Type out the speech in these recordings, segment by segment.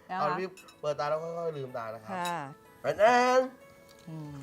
นะคะเอาพี่เปิดตาแล้วค่อยๆลืมตานะครับค่ะแอนแอนอืม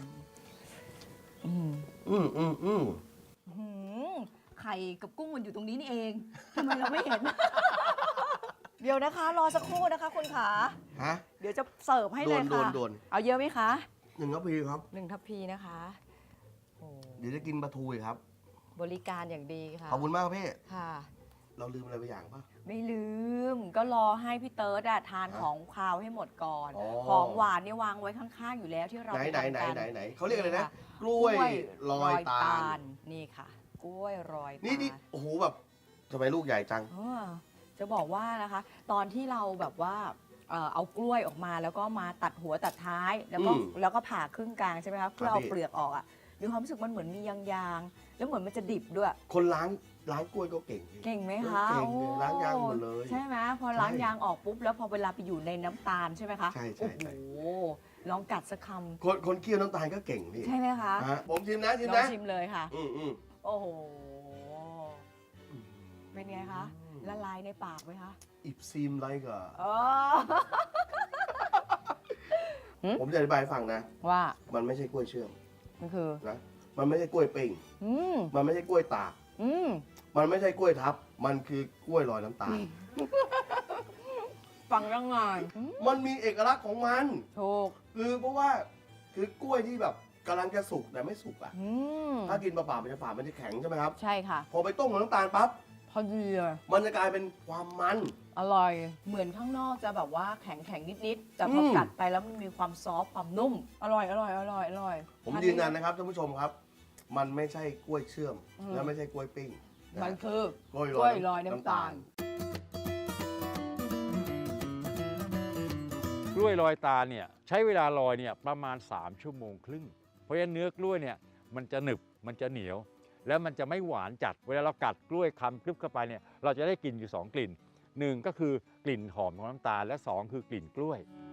ไข่กับกุ้งมันอยู่ตรงนี้นี่เองทำไมเราไม่เห็น เดี๋ยวนะคะ รอสักครู่นะคะคุณขาฮะเดี๋ยวจะเสิร์ฟให้เลยค่ะโดนเอาเยอะไหมคะ 1 ทัพพีครับ 1 ทัพพีนะคะโอ้เดี๋ยวจะกินปลาทูอีกครับบริการอย่างดีค่ะขอบคุณมากครับพี่ค่ะเราลืมอะไรไปอย่างป่ะไม่ลืมก็รอให้พี่เติร์ดอะทานของคาวให้หมดก่อนอ๋อของหวานเนี่ยวางไว้ข้างๆอยู่แล้วที่เราไหนไปทำกันไหนเขาเรียกอะไรนะค่กล้วยลอยตาลนี่ค่ะ กล้วยรอยตาลนี่โอ้โหแบบทำไมลูกใหญ่จังจะบอกว่านะคะ ตอนที่เราแบบว่าเอากล้วยออกมาแล้วก็มาตัดหัวตัดท้ายแล้วก็ผ่าครึ่งกลางใช่ไหมคะเพื่อเอาพี่เปลือกออกอ่ะมีความรู้สึกมันเหมือนมียางๆแล้วเหมือนมันจะดิบด้วยคนล้างกล้วยก็เก่งพี่เก่งไหมคะเก่งโอ้ล้างยางหมดเลยใช่ไหมพอล้างยางออกปุ๊บแล้วพอเวลาไปอยู่ในน้ำตาลใช่ไหมคะใช่โอ้โหลองกัดสักคคนเคี่ยวน้ำตาลก็เก่งพี่ำใช่ไหมคะฮะผมชิมนะลองชิมเลยค่ะอืมโอ้โหเป็นไงคะละลายในปากไหมคะอิบซีมไรก็อ๋อผมจะอธิบายให้ฟังนะว่ามันไม่ใช่กล้วยเชื่อมมันคือนะมันไม่ใช่กล้วยปิ้งอืมมันไม่ใช่กล้วยตากอืมมันไม่ใช่กล้วยทับ มันคือกล้วยลอยน้ำตาลฟังยังไงมันมีเอกลักษณ์ของมันถูกคือเพราะว่าคือกล้วยที่แบบกำลังจะสุกแต่ไม่สุกอ่ะอืมถ้ากินเปล่าๆมันจะฝาดมันจะแข็งใช่ไหมครับใช่ค่ะพอไปต้มกับน้ำตาลปั๊บพอดีเลยมันจะกลายเป็นความมันอร่อย เหมือนข้างนอกจะแบบว่าแข็งนิดๆแต่พอกัดไปแล้วมันมีความซอฟต์ความนุ่ม อร่อยผมยืนยันนะครับท่านผู้ชมครับ มันไม่ใช่กล้วยเชื่อม และไม่ใช่กล้วยปิ้งะมันคือกล้วยกล้วยลอยน้ำตาลกล้วยลอยตาลเนี่ยใช้เวลาลอยเนี่ยประมาณ3 ชั่วโมงครึ่ง เพราะฉะนั้นเนื้อกล้วยเนี่ยมันจะหนึบมันจะเหนียว แล้วมันจะไม่หวานจัดเวลาเรากัดกล้วยคำกรึบเข้าไปเนี่ยเราจะได้กลิ่นอยู่2 กลิ่น 1 ก็คือกลิ่นหอมของน้ำตาลและ 2 คือกลิ่นกล้วย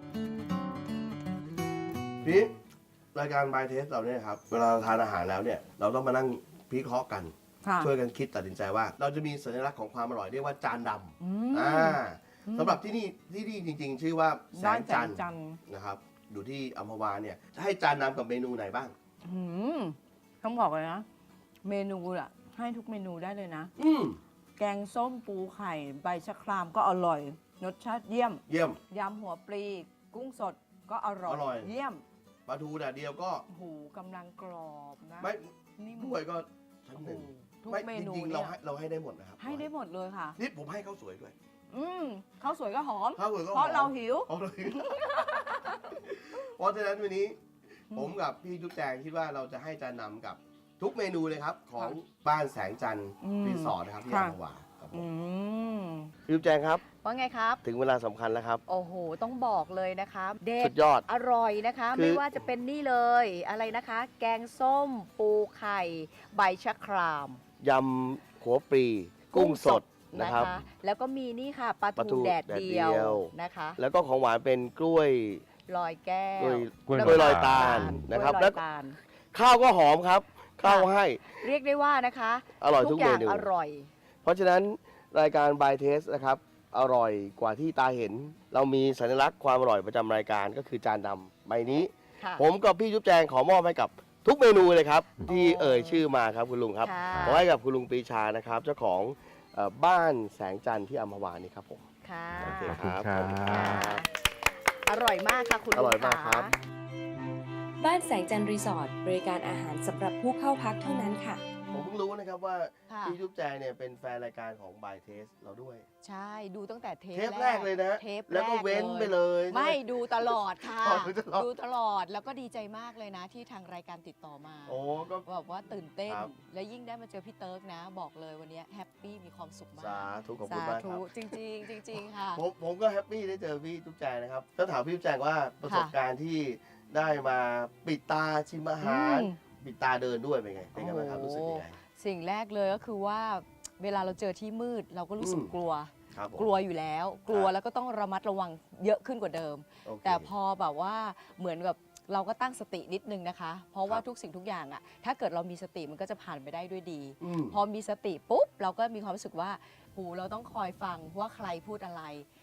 พี่รายการบายเทสเราเนี่ยครับเวลาเราทานอาหารแล้วเนี่ยเราต้องมานั่งพิเคราะห์กันค่ะช่วยกันคิดตัดสินใจว่า เราจะมีสัญลักษณ์ของความอร่อยเรียกว่าจานดอืมำสำหรับที่นี่จริงๆ ชื่อว่าแสบ้านงแสจังนทร์จันทร์นะครับอยู่ที่อัมพวาเนี่ยจะให้จานดำกับเมนูไหนบ้างอืมต้องบอกเลยนะ เมนูอะให้ทุกเมนูได้เลยนะอืมแกงส้มปูไข่ใบชะครามก็อร่อย รสชาติเยี่ยมเยี่ยมยำหัวปลี กุ้งสดก็อร่อยอร่อยเยี่ยมปลาทูแดดเดียวก็หูกำลังกรอบนะไม่นี่ด้วยก็ชั้นหนึ่งทุกไม่เมจนูริงๆเนี่เรายให้ได้หมดนะครับให้ได้หมดเลยค่ะนี่ผมให้ข้าวสวยด้วยข้าวสวยก็หอมข้าวสวยก็เพราะหอมเราหิวเอาเลย เพราะฉะนั้นวันนี้ ผมกับพี่จุ๊บแจงคิดว่าเราจะให้จานนำกับทุกเมนูเลยครับ ของบ้านแสงจันทร์อืมรีสอร์ทนะครับที่ค่ะอัมพวาครับผมอืมพี่จุ๊บแจงครับว่าไงครับถึงเวลาสำคัญแล้วครับโอ้โห ต้องบอกเลยนะคะเด็สุดดยอดอร่อยนะคะคือไม่ว่าจะเป็นนี่เลยอะไรนะคะ แกงส้ม ปูไข่ ใบชะครามยำหัวปลีกุ้งสดนะครับแล้วก็มีนี่ค่ะปลาปลาทูทูแดดเดียวแดดเดียวนะคะแล้วก็ของหวานเป็นกล้วยลอยแก้กล้วกล้วยน้ำกล้วยลอยตาลกล้วยนะครับลอยแล้วตาลข้าวก็หอมครับ ข้าวให้เรียกได้ว่านะคะอร่อยทุกอเมย่างนูอร่อยเพราะฉะนั้นรายการ By Taste นะครับ อร่อยกว่าที่ตาเห็น เรามีสัญลักษณ์ความอร่อยประจำรายการก็คือจานดำใบนี้ค่ะผมกับพี่จุ๊บแจงขอมอบให้กับทุกเมนูเลยครับ ที่เอ่ยชื่อมาครับคุณลุงครับค่ะขอให้กับคุณลุงปรีชานะครับ เจ้าของบ้านแสงจันทร์ที่อัมพวานี่ครับผมค่ะโอเคขอบคุณครับค่ะอร่อยมากค่ะคุณอร่อยมากครับบ้านแสงจันทร์รีสอร์ทบริการอาหารสำหรับผู้เข้าพักเท่านั้นค่ะผมเพิ่งรู้นะครับว่าค่ะพี่จุ๊บแจงเนี่ยเป็นแฟนรายการของ By Taste เราด้วยใช่ดูตั้งแต่เทเทปแรกเลยนะเทปแล้วก็เว้นไปเลยไม่ดูตลอดค่ะอ๋อดูตลอดดูตลอดแล้วก็ดีใจมากเลยนะที่ทางรายการติดต่อมาโอ้ก็แบบว่าตื่นเต้นครับและยิ่งได้มาเจอพี่เติร์กนะ บอกเลยวันนี้แฮปปี้มีความสุขมากสาธุขอบคุณมากครับจริงๆจริงๆค่ะผมก็แฮปปี้ได้เจอพี่จุ๊บแจงนะครับต้องถามพี่จุ๊บแจงว่าประสบการณ์ที่ได้มาปิดตาชิมอาหารอืมปิดตาเดินด้วยเป็นไงเป็นไงบ้างครับโอ้รู้สึกยังไงสิ่งแรกเลยก็คือว่าเวลาเราเจอที่มืดเราก็รู้สึกอืมกลัวครับผมกลัวอยู่แล้ว กลัวแล้วก็ต้องระมัดระวังเยอะขึ้นกว่าเดิมโอเคแต่พอแบบว่าเหมือนกับเราก็ตั้งสตินิดนึงนะคะ เพราะว่าครับทุกสิ่งทุกอย่างอะถ้าเกิดเรามีสติมันก็จะผ่านไปได้ด้วยดีอืมพอมีสติปุ๊บเราก็มีความรู้สึกว่าหูเราต้องคอยฟังว่าใครพูดอะไร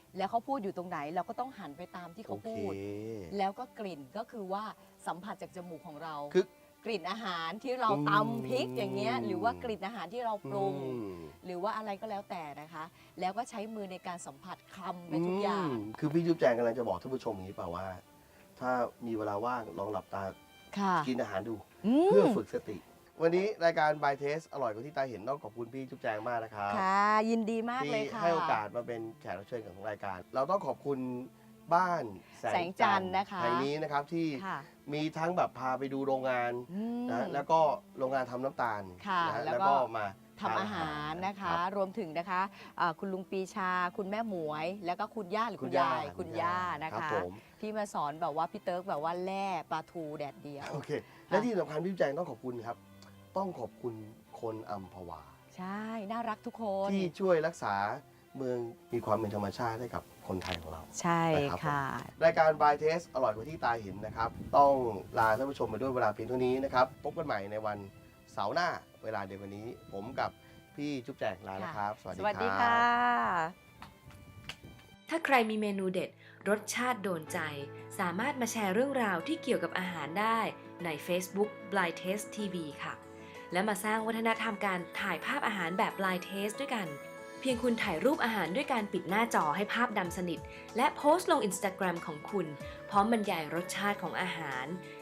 แล้วเขาพูดอยู่ตรงไหนเราก็ต้องหันไปตามที่เขาพูด แล้วก็กลิ่นก็คือว่าสัมผัสจากจมูกของเราคือกลิ่นอาหารที่เราตำพริกอย่างเงี้ยหรือว่ากลิ่นอาหารที่เราปรุง หรือว่าอะไรก็แล้วแต่นะคะ แล้วก็ใช้มือในการสัมผัสคำไปทุกอย่างคือพี่จุ๊บแจงกำลังจะบอกท่านผู้ชมอย่างนี้เปล่าว่า ถ้ามีเวลาว่างลองหลับตาค่ะกินอาหารดูอืมเพื่อฝึกสติ วันนี้รายการ By Taste อร่อยกว่าที่ตาเห็นต้องขอบคุณพี่จุ๊บแจงมากนะครับค่ะ ยินดีมากที่เลยค่ะให้โอกาสมาเป็นแขกรับเชิญของรายการ เราต้องขอบคุณบ้านแสแสงงจันทร์นะคะแห่งนี้นะครับที่ค่ะมีทั้งแบบพาไปดูโรงงานอืมนะแล้วก็โรงงานทำน้ำตาลค่ะนะแล้วแล้วก็ก็มาทำอาหารนะคะ รวมถึงนะคะคุณลุงปีชา คุณแม่หมวย แล้วก็คุณย่าหรือคุณยายคุณย่านะรับคะผมที่มาสอนแบบว่าพี่เติร์กแบบว่าแล่ปลาทูแดดเดียวโอเค และที่สำคัญพี่จุ๊บแจงต้องขอบคุณครับ ต้องขอบคุณคนอัมพวาใช่ น่ารักทุกคนที่ช่วยรักษาเมืองมีความเป็นธรรมชาติให้กับคนไทยของเราใช่นะครับค่ะรายการ By Taste อร่อยกว่าที่ตาเห็นนะครับ ต้องลาท่านผู้ชมไปด้วยเวลาเพียงเท่านี้นะครับ พบกันใหม่ในวันเสาร์หน้าเวลาเดียวกันนี้ ผมกับพี่จุ๊บแจงลาแล้วครับ สวัสสดีวัสดีคค่ะรับถ้าใครมีเมนูเด็ด รสชาติโดนใจ สามารถมาแชร์เรื่องราวที่เกี่ยวกับอาหารได้ใน Facebook Blind Taste TV ค่ะ และมาสร้างวัฒนธรรมการถ่ายภาพอาหารแบบ Blind Taste ด้วยกัน เพียงคุณถ่ายรูปอาหารด้วยการปิดหน้าจอให้ภาพดำสนิท และโพสต์ลง Instagram ของคุณ พร้อมบรรยายรสชาติของอาหาร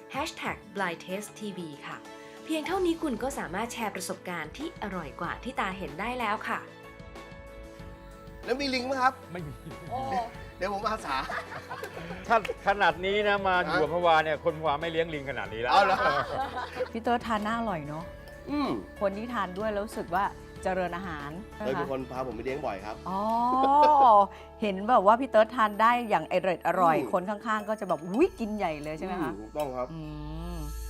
Blind Taste TV ค่ะ เพียงเท่านี้คุณก็สามารถแชร์ประสบการณ์ที่อร่อยกว่าที่ตาเห็นได้แล้วค่ะแล้วมีลิงก์ไหมครับไม่มีโอ้เดี๋ยวผมอาสาถ้าขนาดนี้นะมาอยู่อัมพวาเนี่ยคนอัมพวาไม่เลี้ยงลิงขนาดนี้แล้วเอาเหรอพี่เติร์กทานน่าอร่อยเนาะอืมคนที่ทานด้วยแล้วรู้สึกว่าเจริญอาหารเคยเป็นคนพาผมไปเลี้ยงบ่อยครับอ๋อ เห็นแบบว่าพี่เติร์กทานได้อย่างอร่อยอืมคนข้างๆ ก็จะแบบอุ้ยกินใหญ่เลยใช่ไหมคะถูกต้องครับอืม